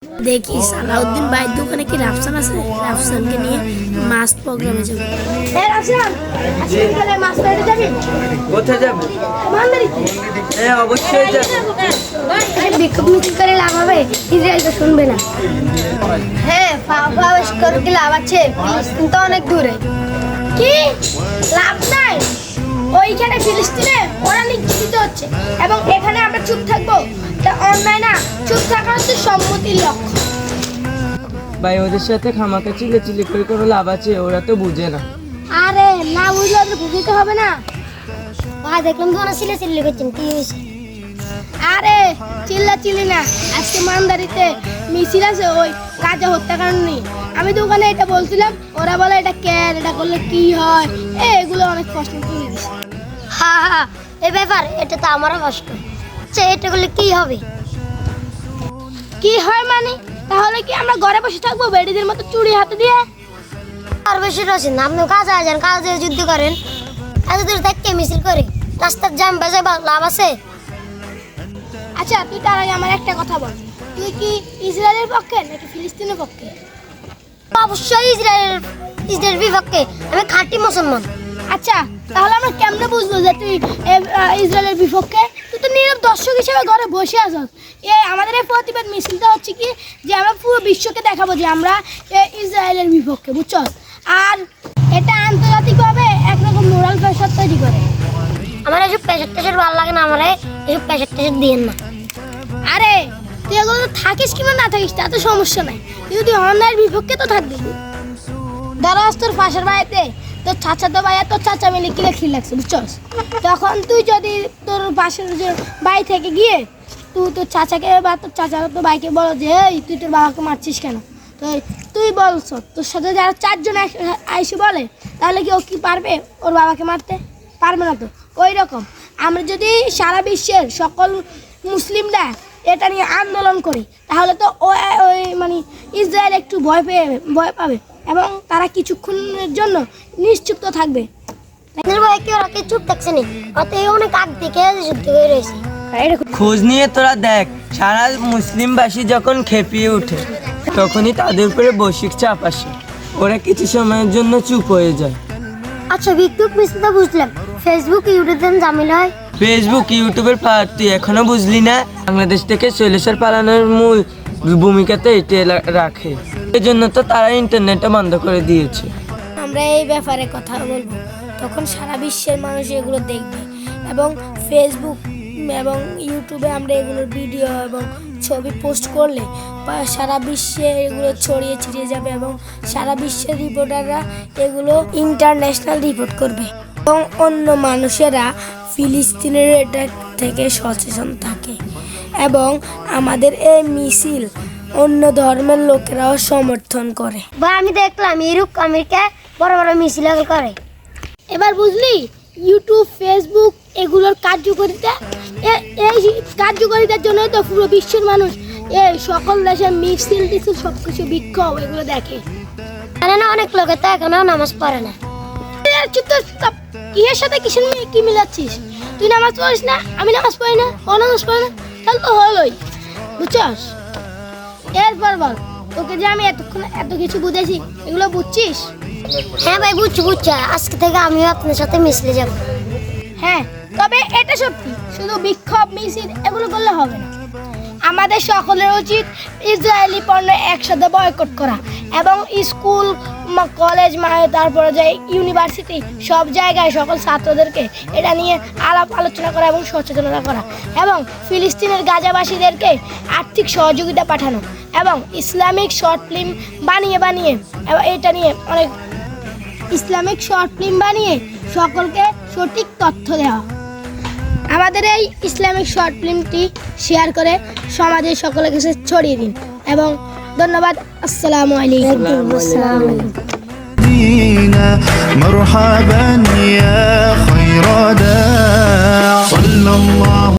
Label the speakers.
Speaker 1: দেখি সালাউদ্দিন ভাইয়ের দোকানে কি রাফসান আছে, রাফসানকে নিয়ে মাছ প্রোগ্রামে যাবো। রাফসান, আজকে মাছ ধরতে যাবি?
Speaker 2: কোথায় যাবো?
Speaker 1: মান্দারিতে।
Speaker 2: হ্যাঁ, অবশ্যই যাবো।
Speaker 1: বিক্ষোভ মিছিল করে লাভ হবে? ইসরায়েল তো শুনবে না। হ্যাঁ, করে কি লাভ আছে? ফিলিস্তিন তো অনেক দূরে। কি লাভ নাই? ওইখানে ফিলিস্তিনে ওরা নির্যাতিত হচ্ছে এবং এখানে আমরা চুপ থাকবো? এটা অন্যায় না? চুপ থাকা হচ্ছে সম্মতির লক্ষ্য।
Speaker 2: ভাই, ওদের সাথে খামাকা চিল্লাচিল্লি করে কোনো লাভ আছে? ওরা তো বুঝে না।
Speaker 1: আরে না বুঝলে ওদের বুঝতে হবে না। ভাই দেখলাম তো ওরা চিল্লাচিল্লি করছেন, কি হয়েছে? আরে চিল্লাচিল্লি না, আজকে মানদারিতে মিছিল আছে ওই গাজা হত্যাকাণ্ড নিয়ে। আমি তো ওখানে এটা বলছিলাম, ওরা বলে এটা কেন, এটা করলে কি হয়, এগুলো অনেক প্রশ্ন তুলে দিচ্ছে। হ্যাঁ হ্যাঁ, এই ব্যাপার এটা তো আমারও কষ্ট। আচ্ছা, এটা করলে কি হবে? কি হয় মানে? তাহলে কি আমরা ঘরে বসে থাকবো বেডিদের মতো চুরি হাতে দিয়ে? আর বেশি রয়েছেন আপনি কাজে যান, কাজে যুদ্ধ করেন, এত দূর থেকে মিছিল করে রাস্তার জ্যাম বাজে লাভ আছে? আচ্ছা, তুই তার আগে আমার একটা কথা বল, তুই কি ইসরায়েলের পক্ষে নাকি ফিলিস্তিনের পক্ষে? অবশ্যই ইসরায়েলের বিপক্ষে, আমি খাঁটি মুসলমান। আচ্ছা, তাহলে আমরা কেমনে বুঝবো যে তুই ইসরায়েলের বিপক্ষে? তুই তো নীরব দর্শক হিসেবে ঘরে বসে আছিস। আমাদের এই প্রতিবাদ মিছিলটা হচ্ছে কি যে আমরা পুরো বিশ্বকে দেখাবো যে আমরা ইসরায়েলের বিপক্ষে, বুঝছস? আর এটা আন্তর্জাতিকভাবে একরকম মোরাল প্রেশার তৈরি করে। আমার এসব প্রেশার টেশার ভালো লাগে না, আমার এসব প্রেশার টেশার দিয়েন না। আরে তুই এগুলো থাকিস কিংবা না থাকিস তাতে সমস্যা নাই, তুই অন্যায়ের বিপক্ষে তো থাকবি। ধরো তোর পাশের বাড়িতে তোর চাচাতো ভাই আর তোর চাচা মিলে কিলে লাগছে, বুঝছস? তখন তুই যদি তোর পাশের যে বাড়ি থেকে গিয়ে তুই তোর চাচাকে বা তোর চাচার তো ভাইকে বলো যে এই তুই তোর বাবাকে মারছিস কেন, তো তুই বলছ, তোর সাথে যারা চারজন আইসে বলে, তাহলে কি ও কি পারবে ওর বাবাকে মারতে? পারবে না তো। ওই রকম আমরা যদি সারা বিশ্বের সকল মুসলিমরা এটা নিয়ে আন্দোলন করি, তাহলে তো ওই মানে ইসরায়েল একটু ভয় পাবে এবং তারা কিছুক্ষণের জন্য নিশ্চুপ্ত থাকবে। চুপ থাকছে না, অনেক আগ থেকে যুদ্ধ হয়ে রয়েছে।
Speaker 2: খোঁজ নিয়ে তোরা দেখ, সারা মুসলিমবাসী যখন খেপিয়ে ওঠে তখনই তাদের উপরে বৈশ্বিক চাপ আসে, ওরা কিছু সময়ের জন্য চুপ হয়ে যায়।
Speaker 1: আচ্ছা, বিক্ষোভ মিছিল বুঝলাম, ফেসবুক ইউটিউবে জামিল হয়।
Speaker 2: ফেসবুক ইউটিউবের তুই এখনো বুঝলি না? বাংলাদেশ থেকে শৈলেশ্বর পালানোর মূল ভূমিকাতে এটি রাখে, এই জন্য তো তারা ইন্টারনেটটা বন্ধ করে দিয়েছে।
Speaker 1: আমরা এই ব্যাপারে কথা বলবো, তখন সারা বিশ্বের মানুষ এগুলো দেখবে এবং ফেসবুক এবং ইউটিউবে আমরা এগুলোর ভিডিও এবং ছবি পোস্ট করলে সারা বিশ্বে এগুলো ছড়িয়ে ছিটিয়ে যাবে এবং সারা বিশ্বের রিপোর্টাররা এগুলো ইন্টারন্যাশনাল রিপোর্ট করবে এবং অন্য মানুষেরা ফিলিস্তিনের এটা থেকে সচেতন থাকে এবং আমাদের এই মিছিল অন্য ধর্মের লোকেরাও সমর্থন করে। বা আমি দেখলাম ইউরোপ আমেরিকা বড় বড় মিছিল করে। এবার বুঝলি ইউটিউব ফেসবুক এগুলোর কার্যকারিতা, এই কার্যকারিতার জন্য তো পুরো বিশ্বের মানুষ এই সকল দেশের মিছিল টিছিল সবকিছু বিক্ষোভ এগুলো দেখে। না অনেক লোকে তো এখনো নামাজ পড়ে না। কিসের সাথে কিসের কি মিলাচ্ছিস? তুই নামাজ পড়িস না, আমি নামাজ পড়ি না, ও নামাজ পড়ে না, তাহলে তো হলোই, বুঝছস? এরপর বল, তোকে যে আমি এতক্ষণ এত কিছু বুঝেছি, এগুলো বুঝছিস? হ্যাঁ ভাই, বুঝছি। আজকে থেকে আমিও আপনার সাথে মিছিলে যাব। হ্যাঁ, তবে এটা সত্যি, শুধু বিক্ষোভ মিছিল এগুলো করলে হবে না, আমাদের সকলের উচিত ইসরায়েলি পণ্য একসাথে বয়কট করা এবং স্কুল কলেজ তারপরে যে ইউনিভার্সিটি সব জায়গায় সকল ছাত্রদেরকে এটা নিয়ে আলোচনা করা এবং সচেতনতা করা এবং ফিলিস্তিনের গাজাবাসীদেরকে আর্থিক সহযোগিতা পাঠানো এবং ইসলামিক শর্ট ফিল্ম বানিয়ে এটা নিয়ে অনেক ইসলামিক শর্ট ফিল্ম বানিয়ে সকলকে সঠিক তথ্য দেওয়া। আমাদের এই ইসলামিক শর্ট ফিল্মটি শেয়ার করে সমাজের সকলের কাছে ছড়িয়ে দিন এবং ধন্যবাদ। আসসালামু আলাইকুম।